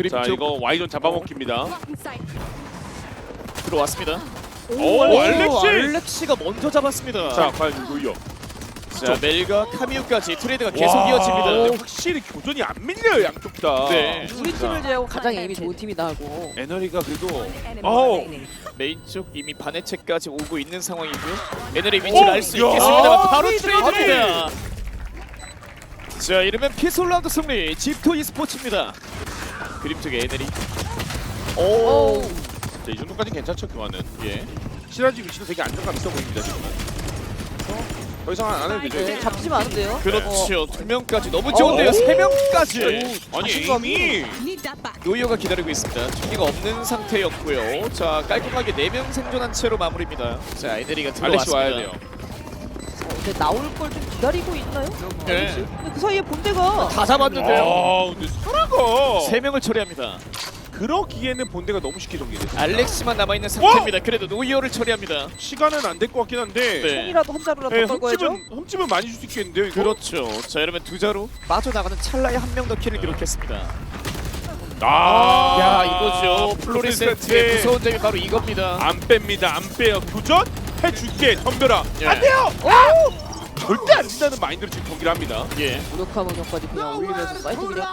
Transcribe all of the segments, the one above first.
그림 자 쪽 이거 Y존 잡아먹힙니다. 들어왔습니다. 오, 알렉시! 알렉시가 먼저 잡았습니다. 자 과연 누구요? 자 멜과 카미우까지 트레이드가 계속 와, 이어집니다. 근데 확실히 교전이 안 밀려요 양쪽 다. 네. 우리 팀을 제외하고 가장 에임이 좋은 팀이다 하고. 에너리가 그래도 어우 메인 쪽 이미 반해체까지 오고 있는 상황이고요. 에너리 위치를 오! 알 수 야! 있겠습니다만 바로 트레이드! 트레이드입니다. 자 이러면 피솔 라운드 승리 집토 e스포츠입니다. 그림 쪽에 에너리. 오. 자, 이 정도까지 괜찮죠 교환은. 예. 시라지 위치도 되게 안정감 있어 보입니다 지금은. 더 이상 안 해도 되죠. 네, 이제? 잡히지만 않은데요. 그렇죠. 두 명까지 너무 좋은데요. 세 명까지. 아니 자신감이. 이미 노이어가 기다리고 있습니다. 총기가 없는 상태였고요. 자 깔끔하게 4명 생존한 채로 마무리입니다. 자 에너리가 알렉시 들어왔습니다. 와야 돼요. 근데 나올 걸 좀 기다리고 있나요? 네. 근데 그 사이에 본대가 다 잡았는데요. 아 근데 사라가 3명을 처리합니다. 그러기에는 본대가 너무 쉽게 정리됐습니다. 알렉시만 남아있는 상태입니다. 그래도 노이어를 처리합니다. 시간은 안 될 것 같긴 한데. 네. 총이라도 한 자루라도 네, 더 걸고야죠. 흠집은 많이 줄 수 있겠는데요 이거? 그렇죠. 자 이러면 두 자로 빠져나가는 찰나에 한 명 더 킬을 기록했습니다. 아, 야 이거죠. 플로리센트의 무서운 점이 바로 이겁니다. 안 뺍니다. 안 빼요. 교전 해줄게 덤벼라. 예. 안 돼요. 절대 안 진다는 마인드로 지금 경기를 합니다. 예. 무력화 문역까지 그냥 올리면서 사이트 그냥.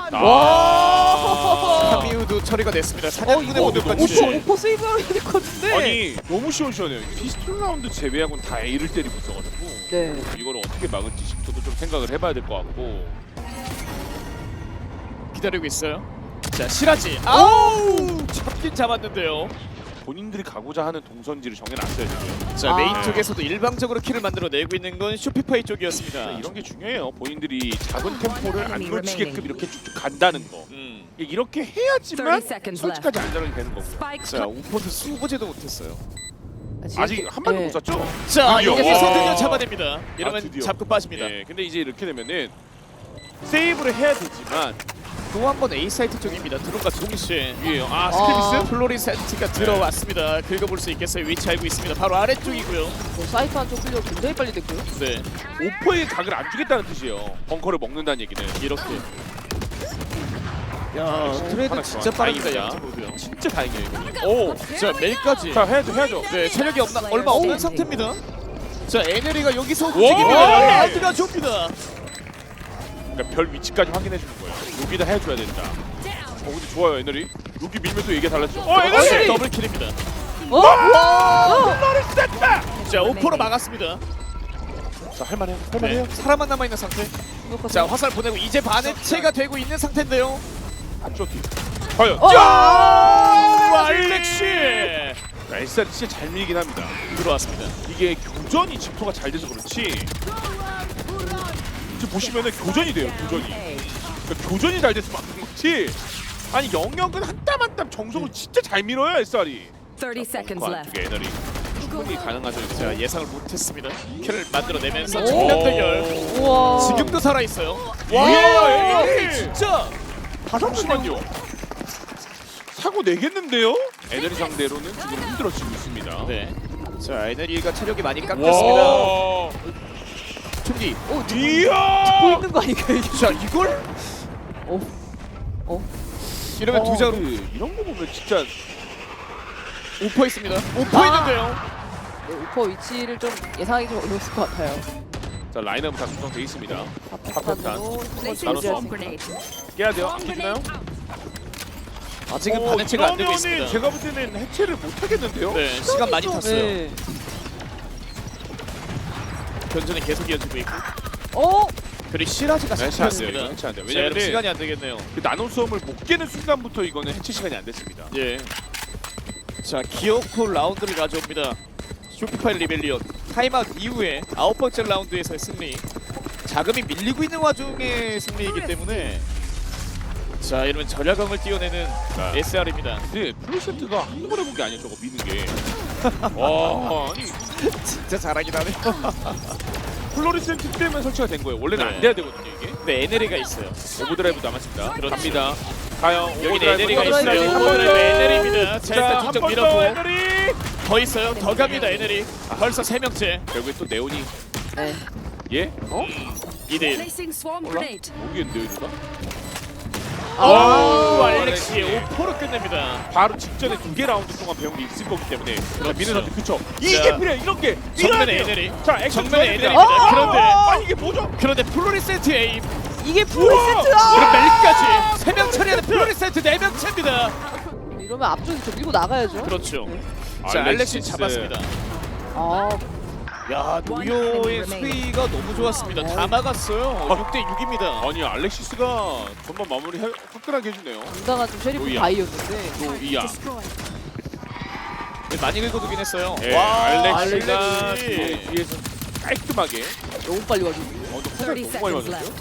와. 카미우도 처리가 됐습니다. 사냥꾼의 이거 모드까지. 너무 오퍼 세이브해야 될 것 같은데. 아니 너무 시원시원해요. 피스톨 라운드 제외하고는 다 A를 때리고 있어가지고 네. 이거를 어떻게 막을지 저도 좀 생각을 해봐야 될 것 같고. 기다리고 있어요. 자 시라지. 아우 잡긴 잡았는데요. 본인들이 가고자 하는 동선지를 정해놨어요 지금. 자 아. 메인 쪽에서도 일방적으로 킬을 만들어내고 있는 건 쇼피파이 쪽이었습니다. 이런 게 중요해요. 본인들이 작은 템포를 안 놓치게끔 이렇게 쭉쭉 간다는 거. 이렇게 해야지만 30 seconds 솔직하지 안전하게 되는 거고요. 자 우포트 수보제도 못했어요. 아직 한 발도 네. 못 쐈죠? 자 드디어. 여기서 와. 드디어 잡아냅니다. 이러면 드디어. 잡고 빠집니다. 네, 근데 이제 이렇게 되면은 세이브를 해야 되지만 또 한 번 A 사이트 쪽입니다. 드론과 동시에 위에요. 아 아. 스케비스? 플로리센트가 들어왔습니다. 긁어볼 수 있겠어요. 위치 알고 있습니다. 바로 아래쪽이고요. 사이트 한쪽 클리어 굉장히 빨리 됐고요. 네 오퍼의 각을 안 주겠다는 뜻이에요. 벙커를 먹는다는 얘기는. 이렇게. 야 트레이드 진짜 빠릅니다. 다행이다. 양팀으로요. 진짜 다행이에요 이거. 오, 자 멜까지. 자 해야죠. 네 체력이 얼마 없는 상태입니다. 자 에네리가 여기서 와. 움직입니다. 라운드가 좁니다. 그러니까 별 위치까지 확인해 주는 거예요. 여기다 해줘야 된다. 근데 좋아요 에너리. 여기 밀면 또 얘기 달라지죠. 에너리. 더블 킬입니다. 에너리 셌다. 자 오퍼로 막았습니다. 자 할만해요. 네, 사람만 남아 있는 상태. 자 화살 보내고 이제 반해체가 되고 있는 상태인데요. 안쪽 뒤. 과연. 와 알렉시 SR 진짜 잘 밀긴 합니다. 들어왔습니다. 이게 교전이 집토가 잘 돼서 그렇지. 지금 보시면은 교전이 돼요. 교전이. 그러니까 교전이 잘 돼서 막는 거지. 아니 영역은 한 땀 한 땀 정성을 진짜 잘 밀어요 SR이. 30 seconds left. 안쪽에 에너리. 충분히 가능하죠. 자 예상을 못했습니다. 킬을 만들어내면서 오. 정면 대결. 우와. 지금도 살아 있어요. 와, 에너리 진짜. 잠시만요. 사고 내겠는데요? 에너리 상대로는 지금 힘들어지고 있습니다. 네. 자 에너리가 체력이 많이 깎였습니다. 와. 총기. 듣고 이야. 있는 거 아닌가요? 이게? 자 이걸 이러면 두 자루 이런 거 보면 진짜 오퍼 있습니다. 오퍼 있는데요. 네, 오퍼 위치를 좀 예상하기 좀 어려웠을 것 같아요. 자 라인업은 다 구성돼 있습니다. 파편탄으로 Placing 나눠서. swarm grenade. 깨야 돼요. 안 깨지나요? 아직은 반해체가 안 되고 이러면은 있습니다. 제가 볼 때는 해체를 못 하겠는데요? 네 시간 많이 탔어요. 네. 견전이 계속 이어지고 있고. 그리고 시라지가 해체 안 돼요. 잡혔습니다. 이거 해체 안 돼요. 자, 여러분 왜냐면 시간이 안 되겠네요. 그 나노 수험을 못 깨는 순간부터 이거는 해체 시간이 안 됐습니다. 예. 자 기어코 라운드를 가져옵니다. 쇼피파이 리벨리온 타임아웃 이후에 9번째 라운드에서의 승리. 자금이 밀리고 있는 와중의 승리이기 때문에 자 이러면 절야광을 띄워내는 자. SR입니다. 근데 플로센트가 한두 번 해본 게 아니에요. 저거 미는 게. 와 아니 진짜 잘하긴 하네요. 플로리센트 때문에 설치가 된 거예요. 원래는 네. 안 돼야 되거든요 이게. 네 에네리가 있어요. 오버드라이브 남았습니다. 그렇죠. 갑니다. 가요. 여기 에네리가 오버드라이브, 있어요. 오버드라이브. 오버드라이브 에네리입니다. 자 일단 한 쭉쭉 번 더 밀었고 에너리. 더 있어요. 더 갑니다 에네리. 벌써 3명째. 결국에 또 네온이 네. 예? 2대1. Placing swarm 몰라? grenade. 모르겠는데요 이거가? 오, 알렉시. 알렉시 5포로 끝냅니다. 바로 직전에 2개 라운드 동안 배운 게 있을 거기 때문에 자, 미는 선수 그쵸? 자, 이게 필요해 이런 게 정면에 밀어야 돼요. 에네리. 자 액션 정면에 좋아야 에네리입니다. 됩니다. 그런데 이게 뭐죠? 그런데 플로리센트 에임. 이게 플레이세트야. 그럼 멜까지 3명 처리하는 플로리센트 4명 챕니다. 이러면 앞쪽이 좀 밀고 나가야죠. 그렇죠. 자, 알렉시 잡았습니다. 아, 야, 노요의 수비가 너무 좋았습니다. 다 막았어요. 6대 6입니다. 아니 알렉시스가 전반 마무리 화끈하게 해주네요. 당당한 좀 쉐리프 노이야. 바이였는데. 노이야. 많이 긁어두긴 했어요. 네, 와, 알렉시가 알렉시. 뒤에서 깔끔하게. 너무 빨리 와주고. 근데 화살 너무 많이 맞았죠?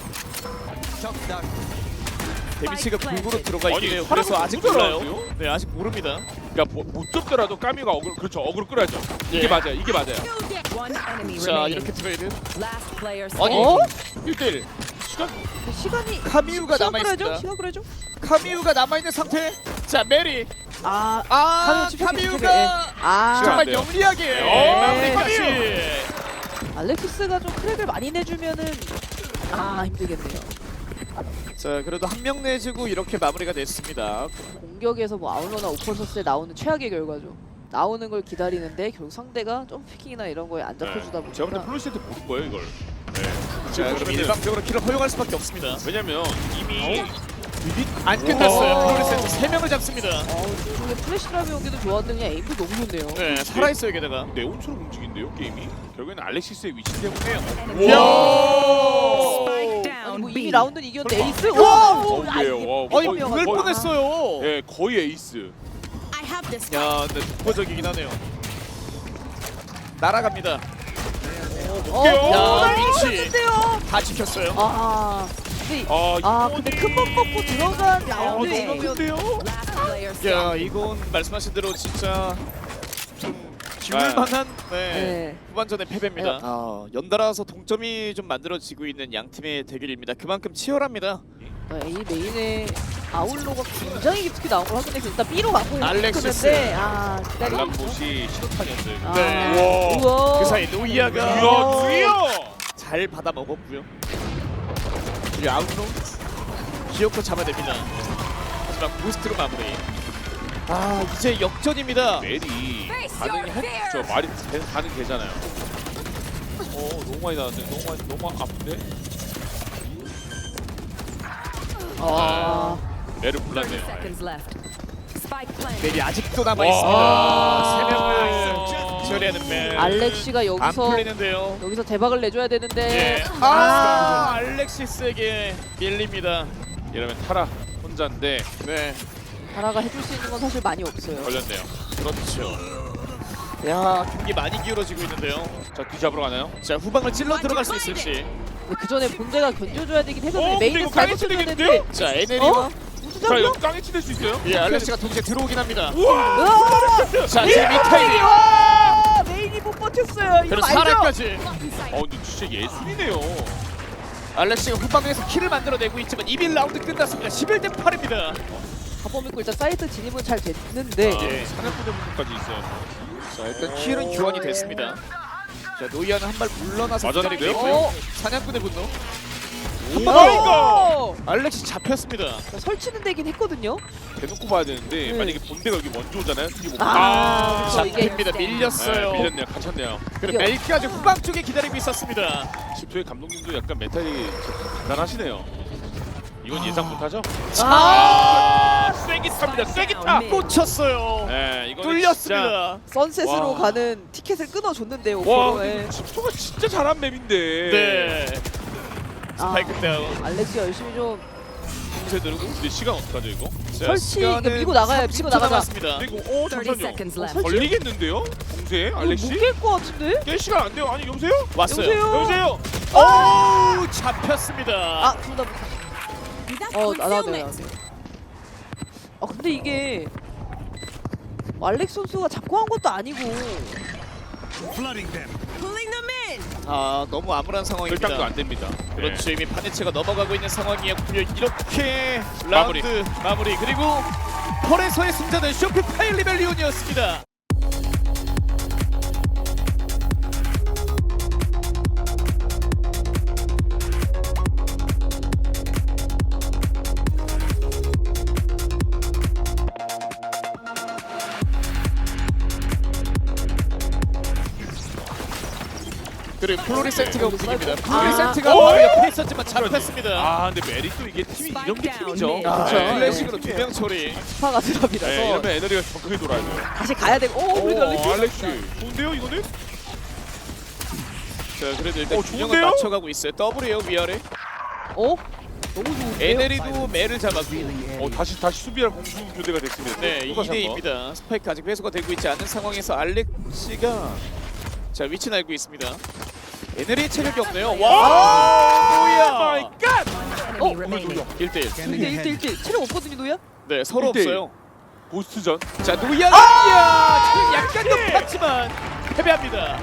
데미치가 골고루 들어가 아니, 있긴 해요. 사람은 그래서 아직 너무 몰라요. 잘하는데요? 네, 아직 모릅니다. 그러니까 못 잡더라도 까미가 어그로 그렇죠 어그로 끌어야죠. 이게 예. 맞아요. 이게 맞아요. One enemy 자, remaining. 이렇게 트레이드. Last player 아니, standing. 1대1 시간 시간이 카미우가 시간 남아있습니다. 끌어야죠. 시간 끌어야죠. 카미우가 남아있는 상태. 자, 메리. 아, 아, 카미우 카미우가 아, 시간. 정말 안 돼요. 영리하게 네. 마무리까지. 알렉시스가 좀 크랙을 많이 내주면은 힘들겠네요. 자, 그래도 한 명 내주고 이렇게 마무리가 됐습니다. 공격에서 뭐 아울러나 오퍼서스에 나오는 최악의 결과죠. 나오는 걸 기다리는데 결국 상대가 좀 피킹이나 이런 거에 안 잡혀주다 제가 볼때 보니까 플로시한테 모른 거예요 이걸. 네. 자, 그럼 그러면은- 일방적으로 킬을 허용할 수밖에 없습니다. 왜냐면 이미 안 끝났어요. 오. 플로리센트 3명을 잡습니다. 이쪽에 플래시 드랍이 오기도 좋았는데 그냥 에임도 너무 좋네요. 네, 살아있어요, 게다가. 네온처럼 움직인데요 게임이. 결국에는 알렉시스의 위치 때문에. Enemy 야! Spike 아니 down 뭐 B. 이미 라운드는 이겼는데 설마. 에이스? 와! 와, 아니, 그럴 뻔 뻔했어요. 예, 거의 에이스. I have this. 야, 근데 독보적이긴 하네요. 날아갑니다. 야, 민치. 다 지켰어요. 근데 큰 번 먹고 들어간 라운드 너무 이거면 큰데요? Last player 야, standing. 이건 말씀하신 대로 진짜 좀 네. 기울만한 네. 후반전의 패배입니다. 연달아서 동점이 좀 만들어지고 있는 양 팀의 대결입니다. 그만큼 치열합니다. A 메인에 아울로가 굉장히 깊숙이 나온 걸 확인해서 일단 B로 가고 알렉시스. 싶었는데 기다리. 알람봇이 신호탄이었어요. 네. 우와. 그 사이 노이아가 이야, 누이야! 잘 받아 먹었고요. 그리고 아웃로 기어코 잡아냅니다. 하지만 부스트로 마무리. 이제 역전입니다. 멜이 반응이 저 말이 반응 되잖아요. 너무 많이 나왔는데 너무 아픈데. 멜을 30 불렀네요. seconds left. Spike planted. 멜이 아직도 와. 남아있습니다. 3명을 처리하는 멜. 알렉시가 안 여기서 풀리는데요. 대박을 내줘야 되는데 예. 알렉시스에게 밀립니다. 이러면 타라 혼자인데 네, 다라가 해줄 수 있는 건 사실 많이 없어요. 걸렸네요. 그렇죠. 야, 경기 많이 기울어지고 있는데요. 자, 뒤잡으러 가나요? 자, 후방을 찔러 들어갈 수 있을지. 근데 그 전에 본대가 견뎌줘야 되긴 했었는데 근데 메인은 이거 잘 까이치 버텨줬는데 되겠는데요? 자, 에네리와 자, 이거 깡에 치댈 수 있어요? 예, 알렉시가 동시에 들어오긴 합니다. 우와! 자, 지금 미타일이 메인이 못 버텼어요. 이거 그리고 알죠? 사라까지. 근데 진짜 예술이네요. 알렉시가 후방에서 킬을 만들어내고 있지만 2라운드 끝났습니다. 11대 8입니다. 가보 믿고 일단 사이트 진입은 잘 됐는데 예. 사냥꾼의 분까지 있어요. 자, 일단 킬은 교환이 됐습니다. 자, 노이아는 한 발 물러나서 맞았는데요? 기다리고 있고요. 사냥꾼의 분노. 오! 알렉시 잡혔습니다. 설치는 되긴 했거든요. 대놓고 봐야 되는데 네. 만약에 본대가 여기 먼저 오잖아요. 이게 뭐 그쵸, 이게 잡힙니다. 밀렸어요. 밀렸네요. 갇혔네요. 그리고 멜까지 후방 쪽에 기다리고 있었습니다. 집소의 감독님도 약간 멘탈이 단단하시네요. 이건 예상 못하죠? 쐐기탑니다. 쐐기탑. 꽂혔어요. 네, 이거 뚫렸습니다. 선셋으로 와. 가는 티켓을 끊어줬는데요. 와, 오퍼로. 예. 근데 집소가 진짜 잘한 맵인데. 네. 스파이크 다운. 알렉시가 열심히 좀 공세 들고. 근데 시간 어떡하죠 이거? 자, 설치, 시간은 이거 밀고 나가요, 밀고 30초 나가자. 남았습니다. 근데 이거 30 잠시만요. seconds left. 설치? 걸리겠는데요? 공세 알렉시? 못깰것 같은데? 깰 시간 안 돼요. 아니 여보세요? 왔어요. 여보세요? 여보세요? 오, 잡혔습니다. 둘 다. 나와줘요. 근데 이게 알렉 선수가 잡고 한 것도 아니고. 너무 암울한 상황입니다. 결단도 안 됩니다. 그렇죠. 이미 파네체가 넘어가고 있는 상황이었고요. 이렇게 라운드 마무리. 그리고 펄에서의 승자는 쇼피파이 리벨리온이었습니다. 그리고 플로리센트가 움직입니다. 아. 플로리센트가 오! 바로 옆에 있었지만 잡혔습니다. 아 근데 메리도 이게 팀이 이런 게 팀이죠. 아, 그쵸. 플래식으로 2명 처리. 스파가 드랍이라서 네, 이러면 에너지가 더 크게 돌아야 돼요. 다시 가야 되고. 오, 우리 알렉스. 알렉시 좋은데요 이거는? 자, 그래도 일단 균형을 좋은데요? 맞춰가고 있어요. 더블이에요 위아래. 어? 너무 좋은데요? 에네리도 매를 잡았고. 다시 수비할 공수 교대가 됐습니다. 네, 똑같이 한 거. 2대입니다. 스파이크 아직 회수가 되고 있지 않은 상황에서 알렉시가 자 위치는 알고 있습니다. 에네리 체력이 없네요. 와, 오 마이 뭐야? 갓! Enemy remaining. 1대1. 1대1 체력 없거든요, 노야? 네, 서로 1대1. 없어요. 보스전. 자, 노이아, 노이아 체력 약간 높았지만 패배합니다.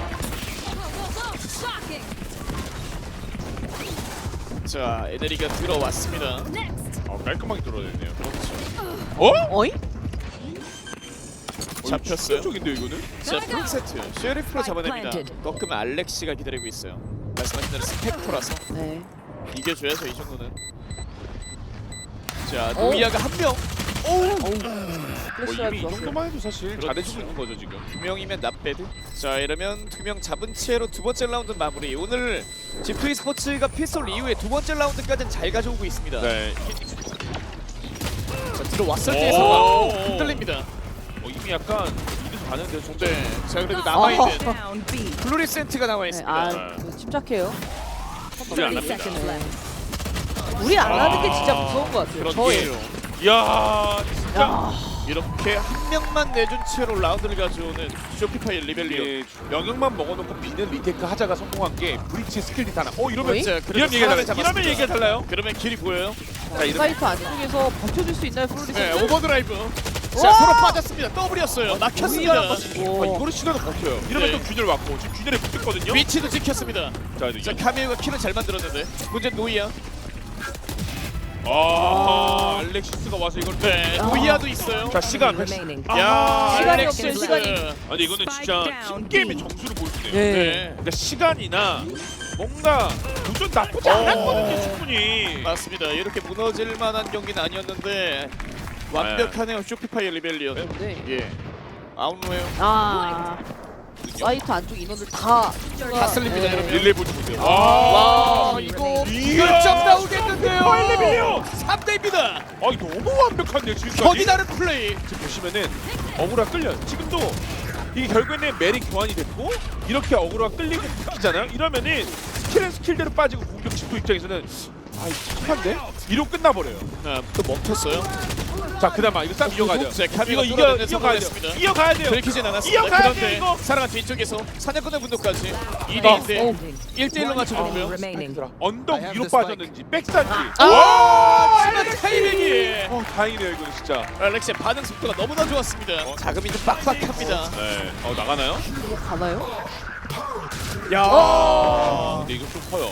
자, 에네리가 들어왔습니다. 깔끔하게 들어냈네요. 어이? 잡혔어요. 쪽인데요 이거는? 자, 프론세트 쉐리프로 잡아냅니다. planted. 꺾으면 알렉시가 기다리고 있어요. 말씀하신 대로 스펙터라서 네. 이겨줘야죠 이 정도는. 자, 노이아가 한 명. 플래시라도 이미 이 좋았어요. 정도만 해도 사실 그렇죠. 잘해주고 있는 거죠 지금. 두 명이면 낫배드. 자, 이러면 두 명 잡은 채로 두 번째 라운드 마무리. 오늘 G2 스포츠가 피스톨 이후에 두 번째 라운드까지는 잘 가져오고 있습니다. 네. 자, 들어왔을 때의 오! 상황 흔들립니다. 이미 약간 이래서 가는데 좀. 네, 자 그래도 남아있는 Down B. 플로리센트가 나와 네, 있습니다. 아, 침착해요. 우리 안 30 합니다. seconds left. 우리 안 하는 게 진짜 무서운 것 같아요. 저희. 그렇게요. 이야 진짜. 야, 이렇게 한 명만 내준 채로 라운드를 가져오는 쇼피파이 리벨리온. 이게 영역만 먹어놓고 비는 리테이크 하자가 성공한 게 브리치 스킬 리타나. 이러면 어이? 자, 이러면 얘기가 달라요. 잡았습니다. 이러면 얘기가 달라요. 그러면 길이 보여요. 자, 이러면 사이트 안쪽에서 버텨줄 수 있나요, 플로리스? 네, 오버드라이브. 와! 자, 서로 빠졌습니다. 더블이었어요. 막혔습니다. 이거는 시간을 버텨요. 이러면 네. 또 균열 왔고 지금 균열에 붙었거든요. 위치도 지켰습니다. 자 이제 자, 카미우가 키는 잘 만들었는데 문제는 노이아. 알렉시스가 와서 이걸. 네, 노이아도 있어요. 자 시간. Remaining. 야, 시간이 알렉시스. 없어요, 시간이. 아니 이거는 진짜 팀 게임의 점수를 보여주네요. 네. 네, 그러니까 시간이나 뭔가 도전 나쁘지 않았거든요 충분히. 맞습니다. 이렇게 무너질 만한 경기는 아니었는데 완벽하네요. 쇼피파이 리벨리온. 네. 예. 아웃로예요. 아, 사이트 안쪽 인원들 다 쓸립니다, 네. 여러분. 릴레이 보여주세요. 와, 이거 이야. 결정 나오겠는데요. 파일레벨이요. 3대입니다. 이거 너무 완벽한데요 지금까지. 거기 다른 플레이. 지금 보시면은 어그로가 끌려요. 지금도 이게 결국에는 메리 교환이 됐고 이렇게 어그로가 끌리고 바뀌잖아요. 이러면은 스킬은 스킬대로 빠지고 공격 집도 입장에서는 이거 착한데? 이로 끝나버려요. 아, 또 멈췄어요. 자 그다음 이거 싹 이어가죠. 자, 카미가 이거 뚫어내는 이어가야 돼요. 성공했습니다. 이어가야 돼요. 들키진 않았습니다. 이어가야 돼요, 그런데 이거. 사랑한 뒤쪽에서 사냥꾼의 분노까지 2대2인데 1대1로 맞춰주고요. remaining. 언덕 위로 빠졌는지 백산지. 하지만 타이밍이 다행이네요 이거는 진짜. 알렉시의 반응 속도가 너무나 좋았습니다. 자금이 좀 빡빡합니다. 네. 나가나요? 가나요? 야, 근데 이거 좀 커요.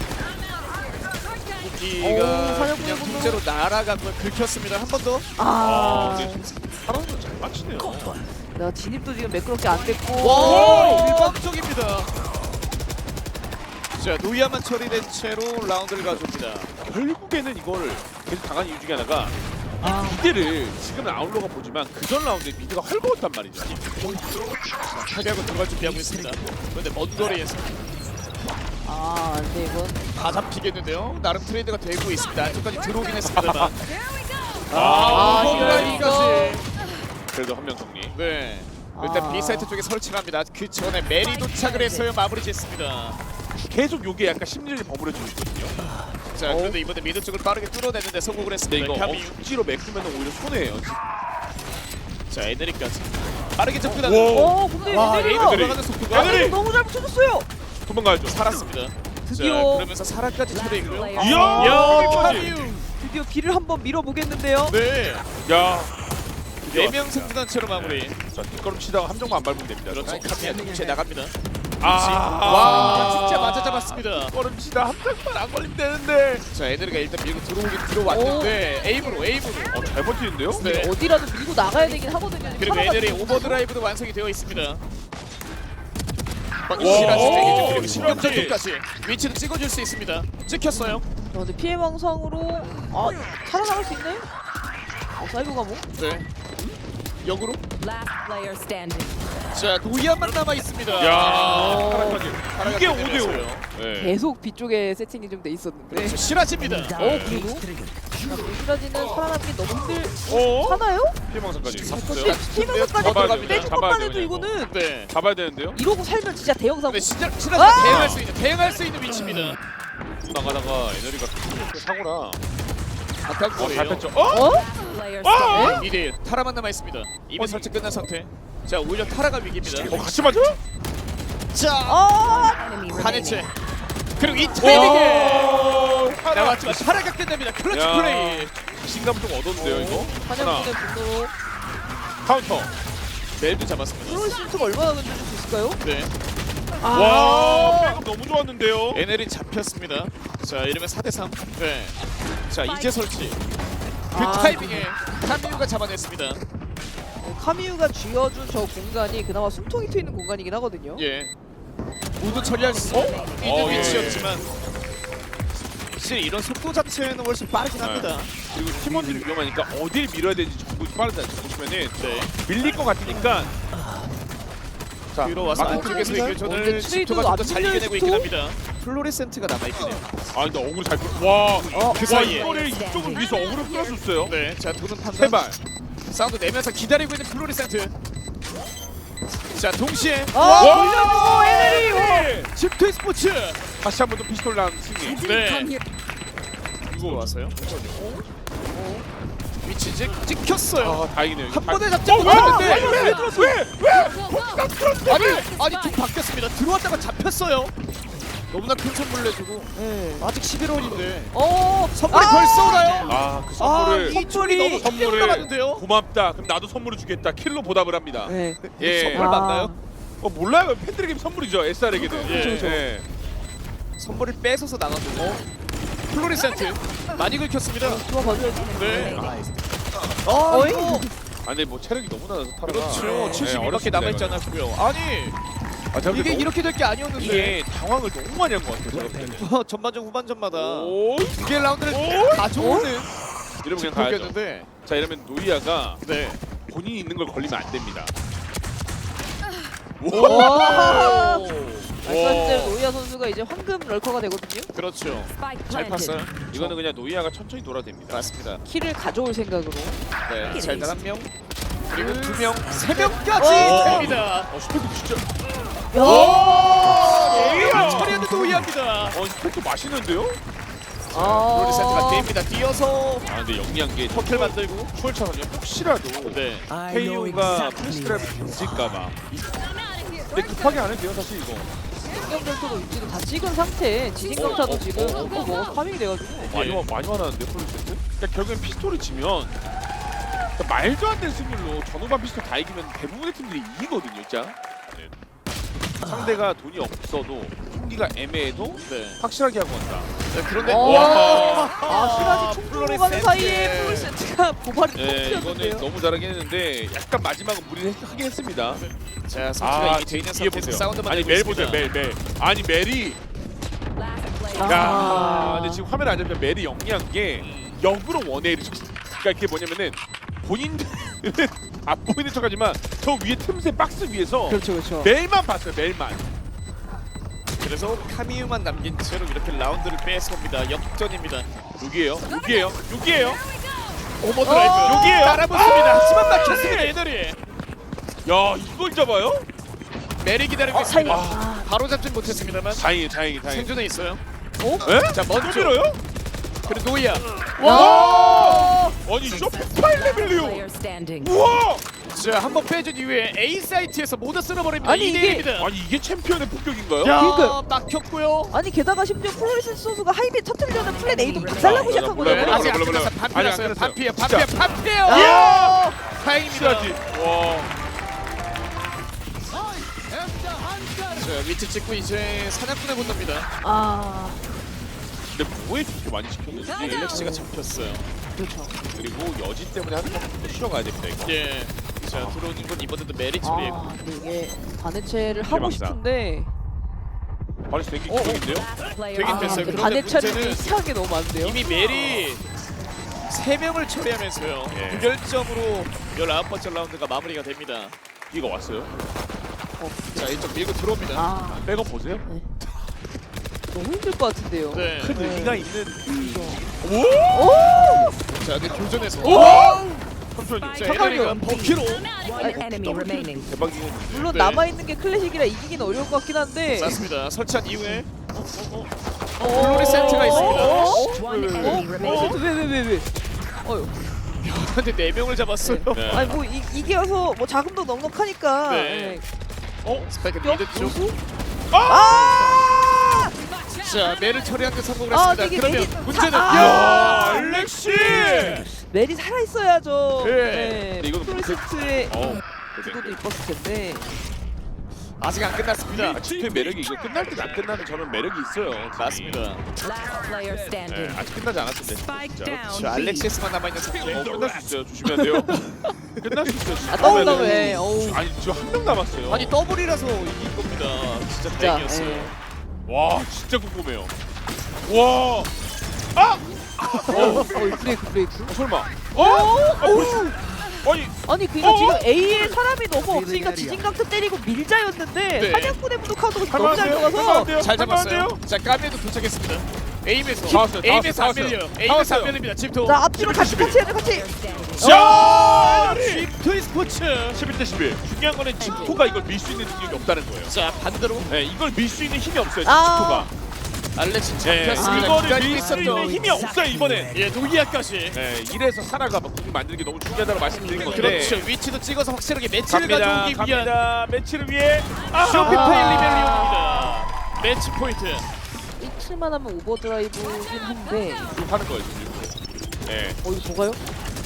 기가 사냥꾼의 그냥 분노. 통째로 날아가고 긁혔습니다. 한 번 더. 근데 사람은 잘 맞히네요. 내가 진입도 지금 매끄럽게 안 됐고. 와, 일방적입니다. 자, 노이아만 처리된 채로 라운드를 가져옵니다. 결국에는 이걸 계속 당한 이유 중에 하나가 미드를 지금 아웃로가 보지만 그전 라운드에 미드가 헐거웠단 말이죠. 타격을 들어갈 준비하고 있습니다. 그런데 먼 거리에서 근데 이건 다 잡히겠는데요. 나름 트레이드가 되고 있습니다. 안쪽까지 들어오긴 했습니다만. 이거. 이거까지. 그래도 한 명 정리. 네. 일단 B 사이트 쪽에 설치를 합니다. 그 전에 메리 도착을 해서요 마무리 짓습니다. 계속 요게 약간 심리를 버무려주고 있거든요. 자, 그런데 이번에 미드 쪽을 빠르게 뚫어내는데 성공을 근데 했습니다. 이거 카미. 억지로 메꾸면 오히려 손해예요. 자, 에너리까지 빠르게 와. 접근하는. 근데 와, 에이드 에이드가 들어가는 속도가 에너리! 너무 잘 붙여줬어요. 도망가야죠. 살았습니다. 드디어. 자, 그러면서 사라까지 처리했고요. Last 이야! 야, 여기까지. 카미우. 드디어 길을 한번 밀어보겠는데요. 네. 야. 4명 승부단체로 마무리. 자 뒷걸음 치다가 함정만 안 밟으면 됩니다. 그렇죠. 카미가 동시에 나갑니다. 와 와, 진짜 맞아 잡았습니다. 뒷걸음 치다 함정만 안 걸리면 되는데. 자, 에너리가 일단 밀고 들어오긴 들어왔는데 에임으로. 잘 버티는데요? 네. 어디라도 밀고 나가야 되긴 하거든요. 그리고 살아가지고. 에너리 오버드라이브도 완성이 되어 있습니다. 와. 시라지 그리고 시라지. 신경전투까지 위치도 찍어줄 수 있습니다. 찍혔어요. 근데 피해 망상으로 살아나갈 수 있나요? 사이버 가뭐? 네. 역으로. Last player standing. 자 노이아만 남아 있습니다. 야, 파라까지. 파라가 이게 끝내냈어요. 5대5. 네. 계속 뒤쪽에 세팅이 좀 돼 있었는데. 그렇죠. 실화집니다. 그리고 시라지는 살아남기 너무 힘들. 어? 하나요? 피해망상까지. 근데 스티븐까지 잡아야 빼줄 돼요. 것만 잡아야 해도 돼요, 이거는 네. 잡아야 되는데요. 이러고 살면 진짜 대형 사고. 근데 실화지가 대응할 수 있는 위치입니다. 나가다가 에너지가 사고라. 아까거예요. 잘 뺐죠. Player 어? standing. 2대 타라만 남아 있습니다. 이미 설치 끝난 상태. 자 오히려 타라가 위기입니다. 같이 맞아? 자 Enemy 반해체. remaining. 그리고 이 타이밍에 타라. 나왔지만 타라가 끝납니다. 클러치 야. 플레이. 신감 좀 얻었는데요 이거. 하나 한영준의 분노로 카운터. 멜도 잡았습니다. 프로리스트가 얼마나 건져줄 수 있을까요? 네. 와, 백업 너무 좋았는데요. NL이 잡혔습니다. 자 이러면 4대3. 네. 자 이제 설치. 그 아, 타이밍에 카미우가 잡아냈습니다. 카미우가 쥐어준 저 공간이 그나마 숨통이 트이는 공간이긴 하거든요. 예. 모두 처리할 수 있는 예. 위치였지만 확실히 이런 속도 자체는 훨씬 빠르긴 합니다. 그리고 팀원들이 위험하니까 어딜 밀어야 되는지 정보 빠르다. 보시면은 네. 밀릴 것 같으니까. 자, 뒤로 와서 마크 안쪽에서 쪽에서 이교전을 근데 집토가 트레이드도 좀 더 잘 안 이겨내고 밀려요, 있긴 합니다. 플로레센트가 남아있긴 해요. 아 근데 어그로 잘 끌. 와, 그 사이에. 이거를 이쪽을 위해서 어그로 끌어줬어요. 네. 자 도는 판단. 세 발. 사운드 내면서 기다리고 있는 플로레센트. 자 동시에 돌려보고 NL이 네. 집토 스포츠. 다시 한 번 더 피스톨 난 승리. 네. 이거 왔어요? 위치 찍혔어요. 아 다행이네요. 한 번에 잡지 왜? 못했는데 왜? 아니 좀 바뀌었습니다. 들어왔다가 잡혔어요. 너무나 큰 선물을 내주고 네. 아직 11월인데 어 선물이 벌써 오나요? 아그 선물을 이 쪽이 너무 선물을 선물을 올라갔는데요. 고맙다. 그럼 나도 선물을 주겠다. 킬로 보답을 합니다. 네. 예. 선물 맞나요? 몰라요. 팬들에게 선물이죠. SR에게는. 그렇죠. 예. 선물을 뺏어서 나가고 플로리센트 많이 긁혔습니다. 좋아 봐줘야지. 네. 어이? 아 근데 뭐 체력이 너무 낮아서 타라가. 그렇죠. 예, 72밖에 어렵습니다, 남아있지 이거는. 않았고요. 아니 아, 제가 이게 너무- 이렇게 될 게 아니었는데 이게 당황을 너무 많이 한 것 같아요. 제가 볼 때는. 전반전 후반전마다 오, 두 개의 라운드를 오? 가져오는 이러면 그냥 가야죠. 포기였는데 자 이러면 노이아가 네. 본인이 있는 걸 걸리면 안 됩니다. 와. 오. 말씀하신 대로 노이아 선수가 이제 황금 럴커가 되거든요. 그렇죠. Spike 잘 planted. 팠어요. 이거는 그냥 노이아가 천천히 돌아도 됩니다. 맞습니다. 키를 가져올 생각으로. 네. 자 일단 한 명. 그리고 두 명, 세 명까지 오. 됩니다. 스펙도 진짜. 이걸 처리하는 노이합니다. 스펙도 맛있는데요? 플로리센트가 됩니다. 뛰어서 아 근데 영리한 게 퍼킬 만들고. 추월차선요. 혹시라도 네. KO가 프리스트라이브 던질까봐. 근데 급하게 안 해도 돼요 사실 이거. 신경절도도 위치도 다 찍은 상태에 지진강타도 지금 또 먹어서 파밍이 돼가지고. 많이 화나는데 프리스트? 그러니까 결국엔 피스톨을 지면 그러니까 말도 안 되는 승률로 전후반 피스톨 다 이기면 대부분의 팀들이 이기거든요, 진짜. 네. 상대가 돈이 없어도 총기가 애매해도 네. 확실하게 하고 간다. 네, 그런데 와. 시라지 총 들고 가는 사이에 플로리센트. 플로리센트가 보발이 네, 이거는 터뜨렸는데요. 너무 잘하긴 했는데 약간 마지막은 무리를 하긴 했습니다. 자, 선수가 이미 돼 있는 뒤에 상태에서 사운드만 아니 내고 멜 있습니다. 보세요, 멜. 아니 멜이. Last player. 야, 아. 근데 지금 화면 안 잡히면 멜이 영리한 게 역으로 원웨이를 쳤어. 그러니까 그게 뭐냐면은 본인들은 안 보이는 척하지만 저 위에 틈새 박스 위에서 그렇죠, 그렇죠. 멜만 봤어요, 멜만. 그래서 카미우만 남긴 채로 이렇게 라운드를 뺏어옵니다. 역전입니다. 여기에요, 여기에요, 여기에요. 오버드라이브 여기에요. 따라붙습니다. 하지만 막혔습니다. 에너리. 야, 이걸 잡아요? 메리 기다리고 있습니다. 아, 바로 잡진 못했습니다만 다행히. 생존에 있어요. 에? 자, 먼저 밀어요? 그리고 노이아. 와! 아니 쇼파일 레벨이요. Player standing. 우와! 자, 한번 빼준 이후에 A 사이트에서 모두 쓸어버립니다. 아니, 이게- 2대1입니다. 아니 이게 챔피언의 폭격인가요? 야. 야, 막혔고요. 아니 게다가 심지어 플로리센트 선수가 하이비 터뜨리려는 플랜 A도 박살나고 몰라, 시작하거든요. 몰라. 아직 안 몰라. 끝났어요. 아직 반피 안 났어요. 끝났어요. 반피에요. 진짜. 반피에요. 야! 다행입니다. 확실하지. 와. 자, 위치 찍고 이제 사냥꾼의 본능입니다. 아, 근데 뭐에 그렇게 많이 시켰는지 갤럭시가 잡혔어요. 그렇죠. 그리고 여진 때문에 하는 것도 쉬어가야 됩니다 이거. 예. 자, 들어오는 건 이번에도 메리 처리했고. 아, 근데 이게 반해체를 하고 대박이다. 싶은데 발이 되게 기적인데요? Last player 되긴 아, 됐어요. 근데 그런데 반해체를 문제는 이상하게 너무 많은데요. 이미 메리 3명을 처리하면서요. 예. 무결점으로 19번째 라운드가 마무리가 됩니다. 이거 왔어요. 자, 이쪽 밀고 들어옵니다. 아 백업 보세요. 너무 힘들 것 같은데요. 네. 큰 네. 의미가 있는 자, 근데 교전에서 잠시만요. 자, 잠깐만요. 에너리가 버키로 One enemy remaining. 대박이긴 물론 네. 남아있는 게 클래식이라 이기긴 어려울 것 같긴 한데 쐈습니다. 설치한 이후에 어, 플로리센트가 있습니다. One enemy remaining. 왜? 어휴. 근데 4명을 잡았어요. 네. 아니 뭐 이겨서 뭐 자금도 넉넉하니까. 네. 스파이크 뼈 미드 쪽. 고수? 아! 자, 매를 처리한 데 성공을 아, 했습니다. 되게 그러면 메리- 문제는 야, 알렉시! 멜이 살아 있어야죠. 네. 근데 이거는 프로젝트의 어. 구도도 이뻤을 텐데. 아직 안 끝났습니다. 집회 매력이 이거 끝날 듯 안 끝나는 저는 매력이 있어요. 맞습니다. Last player 네, standing. 아직 끝나지 않았는데. Spike 진짜. down. 자, 알렉시스만 남아 있는 상태. 끝날 수 있어요. 조심해야 돼요. 끝날 수 있어요. 아 더블 왜? 어우. 아니 지금 한 명 남았어요. 아니 더블이라서 이긴 겁니다. 진짜 진짜. 다행이었어요. 예. 와 진짜 궁금해요. 와. 아! 브레이크. 설마. 어? 아니 아니 그러니까 어? 지금 A에 사람이 너무 없으니까 지진강타 때리고 밀자였는데 네. 사냥꾼의 무도카드가 너무 잘 할만한데요? 들어가서 할만한데요? 잘 잡았어요. 할만한데요? 자, 까메도 도착했습니다. 에임에서 다 왔어요, 다 에임에서 안 왔어요, 다 밀려요. 왔어요. 에임에서 다 안 왔어요. 밀립니다. 집토. 자 앞뒤로 같이 해야죠 같이. Standing. 자! 집토 스포츠. 11대 11. 중요한 거는 칙토가 이걸 밀 수 있는 능력이 없다는 거예요. 자, 반대로 네, 이걸 밀 수 있는 힘이 없어요. 아. 칙토가. 알렉시 네, 잡혔습니다. 이거를 기다리고 밀 수 있는 있었던 힘이 없어요 이번에. 예, 노기아까지. 네, 이래서 사라가 막 궁 만들기 너무 중요하다고 말씀드린 건데. 그렇죠. 위치도 찍어서 확실하게 매치를 갑니다. 가져오기 위한 갑니다. 매치를 위해. 아! 쇼피파이 리벨리온입니다. 매치 포인트. 이틀만 하면 오버드라이브긴 한데. 지금 하는 거예요 지금. 네, 이거 뭐가요?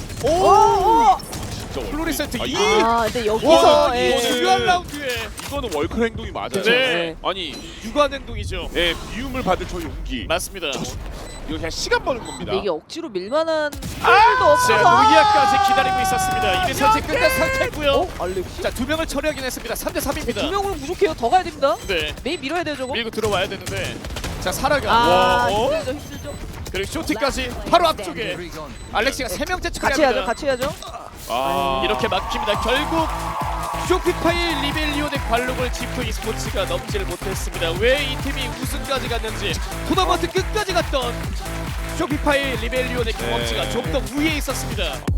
오! 진짜 월클. 플로리센트 아, 이- 이거는 아 근데 와, 여기서 이 예. 중요한 라운드에 이거는 월클 행동이 맞아요. 네. 아니, 유관 행동이죠. 네, 비움을 받을 저 용기. 맞습니다. 이거 그냥 시간 버는 겁니다. 근데 이게 억지로 밀만한 필도 자, 없어서. 노기아까지 기다리고 있었습니다. 이미 선택 끝난 상태고요. 알렉시? 자, 2명을 처리하긴 했습니다. 3대 3입니다. 두 명은 부족해요. 더 가야 됩니다. 네. 메인 밀어야 돼요 저거. 밀고 들어와야 되는데. 자, 사라가 아 어? 힘들죠. 그리고 쇼티까지 바로 앞쪽에 알렉시가 3명째 같이 해야죠. 처리합니다. 같이 해야죠. 아, 이렇게 막힙니다. 결국 쇼피파이 리벨리온의 관록을 지프 e스포츠가 넘지를 못했습니다. 왜 이 팀이 우승까지 갔는지 토너먼트 끝까지 갔던 쇼피파이 리벨리온의 경험치가 네. 좀 더 우위에 있었습니다.